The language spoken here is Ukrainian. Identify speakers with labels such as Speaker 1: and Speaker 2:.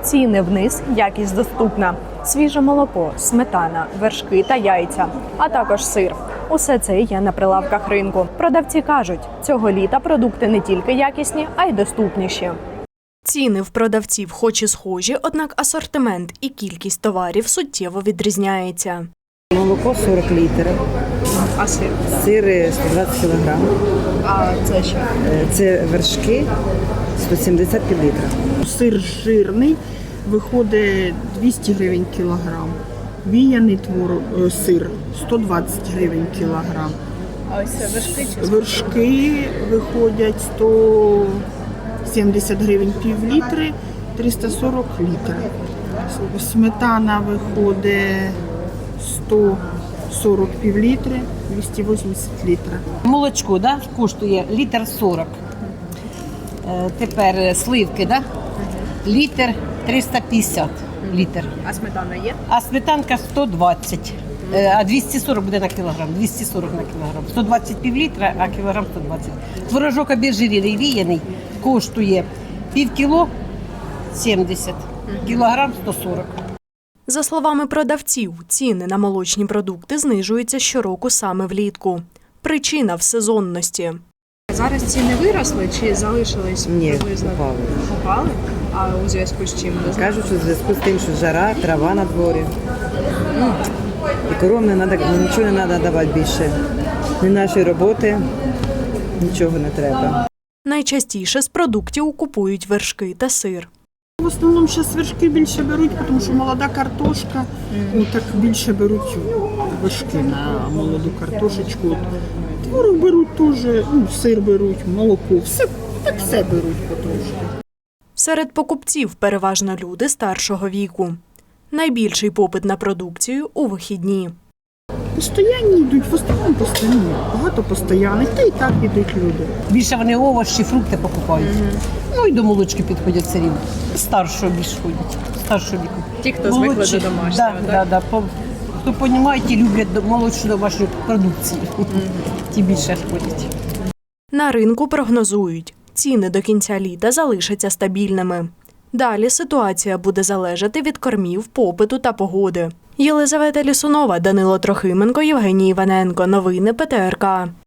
Speaker 1: Ціни вниз, якість доступна. Свіже молоко, сметана, вершки та яйця, а також сир. Усе це є на прилавках ринку. Продавці кажуть, цього літа продукти не тільки якісні, а й доступніші. Ціни в продавців хоч і схожі, однак асортимент і кількість товарів суттєво відрізняється.
Speaker 2: Молоко 40 літрів,
Speaker 1: А сир?
Speaker 2: сир 120 кг,
Speaker 1: А це що?
Speaker 2: це вершки 170 пів-літра.
Speaker 3: Сир жирний виходить 200 гривень кілограм. Віяний сир 120 гривень кілограм.
Speaker 1: А ось це вершки чи
Speaker 3: Вершки виходять 170 гривень пів-літри, 340 літрів. Сметана виходить 140 пів-літри, 280 літрів.
Speaker 4: Молочко, да, коштує літр 40. Тепер сливки, да? Літр 350 літр.
Speaker 1: А сметана є?
Speaker 4: А сметанка 120. А 240 буде на кілограм. 240 на кілограм. 120 пів-літра, а кілограм 120. Творожок обезжирений, віяний, коштує пів кіло 70, кілограм 140.
Speaker 1: За словами продавців, ціни на молочні продукти знижуються щороку саме влітку. Причина в сезонності. Зараз ціни виросли чи залишились
Speaker 2: Ні,
Speaker 1: приблизно?
Speaker 2: впали.
Speaker 1: Упали? А у зв'язку з чим?
Speaker 2: Кажуть, що в зв'язку з тим, що жара, трава на дворі. І коровам не треба, нічого не треба давати більше. Ні нашої роботи, нічого не треба.
Speaker 1: Найчастіше з продуктів купують вершки та сир.
Speaker 3: В основному зараз вершки більше беруть, тому що молода картошка, так більше беруть вершки на молоду картошечку. Творог беруть теж, сир беруть, молоко, все беруть потрошки.
Speaker 1: Серед покупців переважно люди старшого віку. Найбільший попит на продукцію у вихідні.
Speaker 3: Постоянні йдуть, в основному постоянні. Багато постоянних, та і так йдуть люди.
Speaker 4: Більше вони овочі, фрукти покупають. Ну і до молочки підходять все рівно. Старшого більше ходять, старшого віку.
Speaker 1: Ті, хто звикли
Speaker 4: Молодші,
Speaker 1: до домашнього,
Speaker 4: да. Хто розуміє, ті люблять молодшу домашню продукцію. Ті більше ходять.
Speaker 1: На ринку прогнозують, ціни до кінця літа залишаться стабільними. Далі ситуація буде залежати від кормів, попиту та погоди. Єлизавета Лісунова, Данило Трохименко, Євгеній Іваненко. Новини ПТРК.